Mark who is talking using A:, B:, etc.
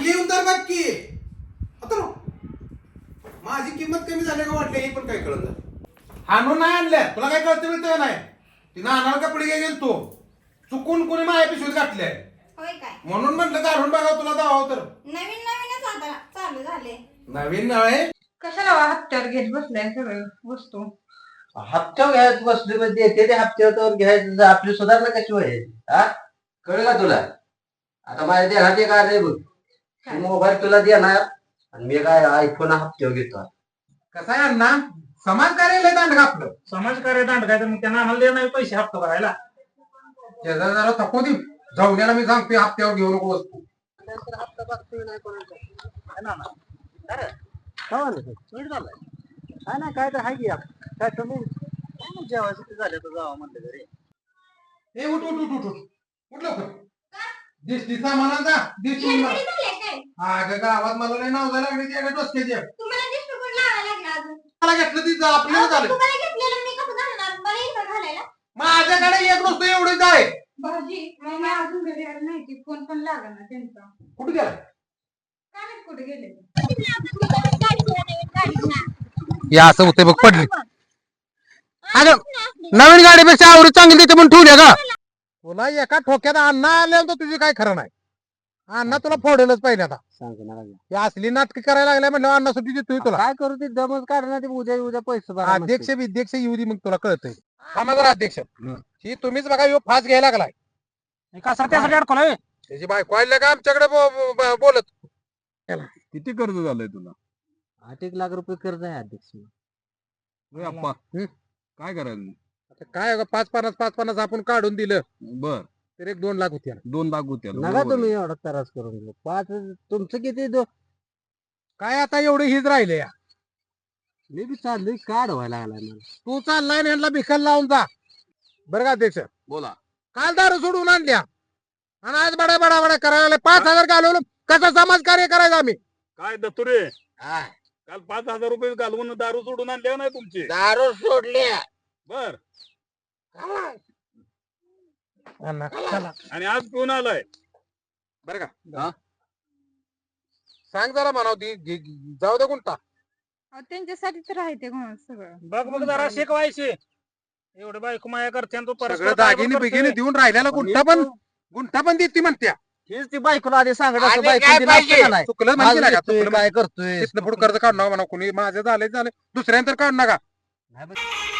A: येऊन तर बघ की आता माझी किंमत कमी झाली का वाटली हे पण काय कळत हाणून नाही आणल्या तुला काय कळतं मिळतं नाही ती नानाला कपडे घे गेल तो चुकून कोणी माझ्या पिशवीत घातले
B: होय काय
A: म्हणून म्हटलं काढून बघा तुला दावा तर
B: नवीन नवीनच आता चालू झाले
A: नवीन नव्हे
B: कशाला हप्त्यावर घेत बसलाय सगळं वस्तू
C: हप्त्यावर घ्यायचं बसले म्हणजे ते हप्त्यावर घ्यायचं आपली सुधारणा कशी व्हायची हा कळलं का तुला आता माझ्या देहात एक आलंय बघ मोबाईल तुला देणार आणि मी काय आयफोन हप्त्यावर घेतो
A: कसं आहे अण्णा समाज कार्यालय दांड आपलं
D: समाजकार्य दांड काय तर मग त्यांना आम्हाला देणार नाही पैसे हप्ता भरायला
A: त्याचा जरा थकू दे जाऊन मी सांगतोय हप्त्यावर घेऊ नको वस्तू
C: काय ना काय तर हाय की काय तुम्ही जेवायचं ते झालं तर जावं म्हणलं घरी
A: ए उठ उठ उठ उठ उठ लवकर दिसती सामानाचा दिसती अगं गावात मला नाही नाव झालं लागली त्याकडे डोसक्याची
B: तुम्हाला दिसतो कोण लावायला लागला अजून
A: मला घेतलं ती आपल्याला झालं
B: तुम्हाला घेतलेलं मी कसं घालणार मला इथं घालायला
A: माझ्याकडे एक वस्तू एवढीच आहे
B: भाजी मी अजून घरी आली नाही ती फोन पण लागला त्यांचा
A: कुठे गेला
B: काय माहित कुठे गेले
A: हे असं होते बघ पडली अगं नवीन गाडीपेक्षा आवडी चांगली तिथे पण ठेवल्या का तुला एका ठोक्यात अण्णा आल्यावर तुझी काय खरं नाही अण्णा तुला फोडेलच पाहिजे आता
C: सांग ना
A: ही असली नाटक करायला लागल्या म्हणलं अण्णा सुट्टी देतोय तुला
C: काय करू ते दमच काढणार ते उद्या पैसे भरा
A: अध्यक्ष विध्यक्ष येऊ दे मग तुला कळतंय आम्हाला अध्यक्ष ही तुम्हीच बघा ह्यो फास घ्यायला लागलाय
D: कसा त्यासाठी अडकलाय
A: त्याची बायको आल्या का आमच्याकडे बोलत
E: किती कर्ज झालंय तुला
C: 8 लाख रुपये कर्ज आहे अध्यक्ष
E: होय अप्पा काय करायचं
A: आता काय 5-50 आपण काढून दिलं
E: बर
A: तर 1-2 लाख होते
E: 2 लाख होत्या
C: नका तुम्ही एवढा त्रास करून घेऊ 5 तुमचं किती
A: काय आता एवढं हीच राहिले या
C: मी बी चाललोय काढ व्हायला लागलाय मला
A: तू चाललाय ना ह्यांना भिकायला लावून जा बरं का अध्यक्ष
E: बोला
A: काल दारू सोडून आणल्या आणि आज बडा बडा बडा करायला 5,000 घालवलं कसं समाज कार्य करायचं आम्ही
E: काय दत्तुरे काल 5,000 रुपये घालवून दारू सोडून आणले नाही तुमची
A: दारू सोडले
E: बर
A: चला
E: आणि आज पिऊन आलाय
A: बरं का सांग जरा म्हणाव ती जाऊ दे कोणता
B: त्यांच्यासाठी तर आहे ते सगळं
D: बघ बघ जरा शिकवायचे एवढे बायको माया करते आणि तू
A: सगळं
D: परस्पर
A: दागिने बिगिने देऊन राहिल्याला गुंठा पण देते म्हणत्या
C: हेच ती बायकोला आधी सांगत
A: आणि काय पाहिजे? चुकलं म्हणजे नाही का? चुकलं
C: काय करतोय
A: तिथनं पुढे कर्ज काढू नका म्हणा कोणी माझं झालं दुसऱ्यांतर काढू नका